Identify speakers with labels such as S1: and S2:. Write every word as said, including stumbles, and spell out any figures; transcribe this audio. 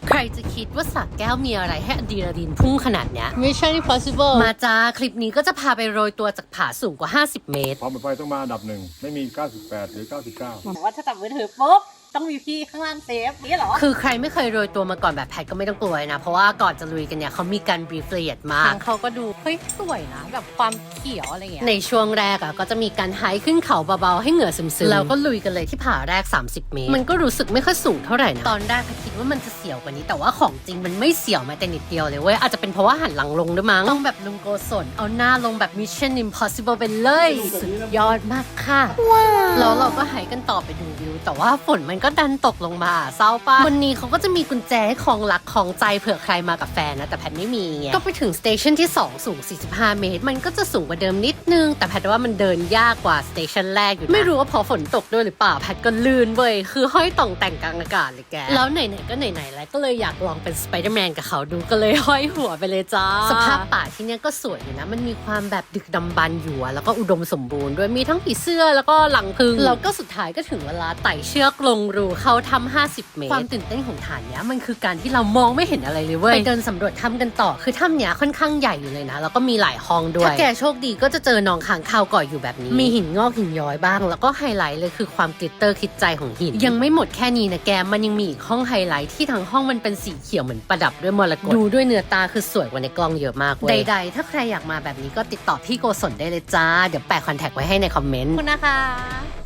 S1: ใครจะคิดว่าสระแก้วมีอะไรให้อะดรีนาลีนพุ่งขนาดเนี้ย
S2: Mission Impossible
S1: มาจ้าคลิปนี้ก็จะพาไปโรยตัวจากผาสูงกว่าห้าสิบเมตร
S3: ความปลอดภัยต้องมาอันดับหนึ่งไม่มีเก้าสิบแปดหรือเก้าสิบเก้า
S2: บอกว่าถ้าจับมือถือปุ๊บต้องมีพี่ข้างล่างเซฟนี่เหรอ
S1: คือใครไม่เคยโรยตัวมาก่อนแบบแพทก็ไม่ต้องกลัวนะเพราะว่าก่อนจะลุยกันเนี่ยเขามีการบรีฟละเอียดมาก
S2: ทางเขาก็ดูเฮ้ยสวยนะแบบความเขียวอะไรเงี้ย
S1: ในช่วงแรกอ่ะก็จะมีการไฮขึ้นเขาเบาๆให้เหงื่อซึมๆแล้วก็ลุยกันเลยที่ผาแรกสามสิบเมตรมันก็รู้สึกไม่ค่อยสูงเท่าไหร่นะตอนแรกแพทคิดว่ามันจะเสียวกว่านี้แต่ว่าของจริงมันไม่เสียวแม้แต่นิดเดียวเลยเว้ยอาจจะเป็นเพราะว่าหันหลังลงด้วยมั้งต้องแบบลุงโกศลเอาหน้าลงแบบ Mission Impossible ไปเลยสุดยอดมากค่ะแล้วเราก็ไฮกันต่อไปดูวิวแต่ว่าฝนมันก็ดันตกลงมาเศร้าป่ะวันนี้เขาก็จะมีกุญแจให้คล้องรักคล้องใจเผื่อใครมากับแฟนนะแต่แพทไม่มีไงก็ไปถึงสเตชันที่สองสูงสี่สิบห้าเมตรมันก็จะสูงกว่าเดิมนิดนึงแต่แพทว่ามันเดินยากกว่าสเตชันแรกอยู่นะไม่รู้ว่าพอฝนตกด้วยหรือเปล่าแพทก็ลื่นเว้ยคือห้อยต่องแต่งกลางอากาศเลยแกแล้วไหนๆก็ไหนๆแล้วก็เลยอยากลองเป็นสไปเดอร์แมนกับเขาดูก็เลยห้อยหัวไปเลยจ้าสภาพป่าที่เนี้ยก็สวยอยู่นะมันมีความแบบดึกดำบรรพ์อยู่แล้วก็อุดมสมบูรณ์ด้วยมีทั้งผีเสื้อแล้วก็หลังพึงแล้วก็สุดท้ายก็ถึงเวลาไต่เชือกลงรูเข้าถ้ำห้าสิบเมตรความตื่นเต้นของฐานเนี้ยมันคือการที่เรามองไม่เห็นอะไรเลยเว้ยไปเดินสำรวจถ้ำกันต่อคือถ้ำเนี้ยค่อนข้างใหญ่อยู่เลยนะแล้วก็มีหลายห้องด้วยถ้าแกโชคดีก็จะเจอหนองค้างคาวเกาะอยู่แบบนี้มีหินงอกหินย้อยบ้างแล้วก็ไฮไลท์เลยคือความกลิตเตอร์คิดใจของหินยังไม่หมดแค่นี้นะแกมันยังมีอีกห้องไฮไลท์ที่ทั้งห้องมันเป็นสีเขียวเหมือนประดับด้วยมรกตดูด้วยเนื้อตาคือสวยกว่าในกล้องเยอะมากเว้ยใดๆถ้าใครอยากมาแบบนี้ก็ติดต่อพี่โกศลได้เลยจ้าเดี๋ยวแปะคอนแทคไว้ให้ในคอมเมนต์
S2: ขอบคุณนะคะ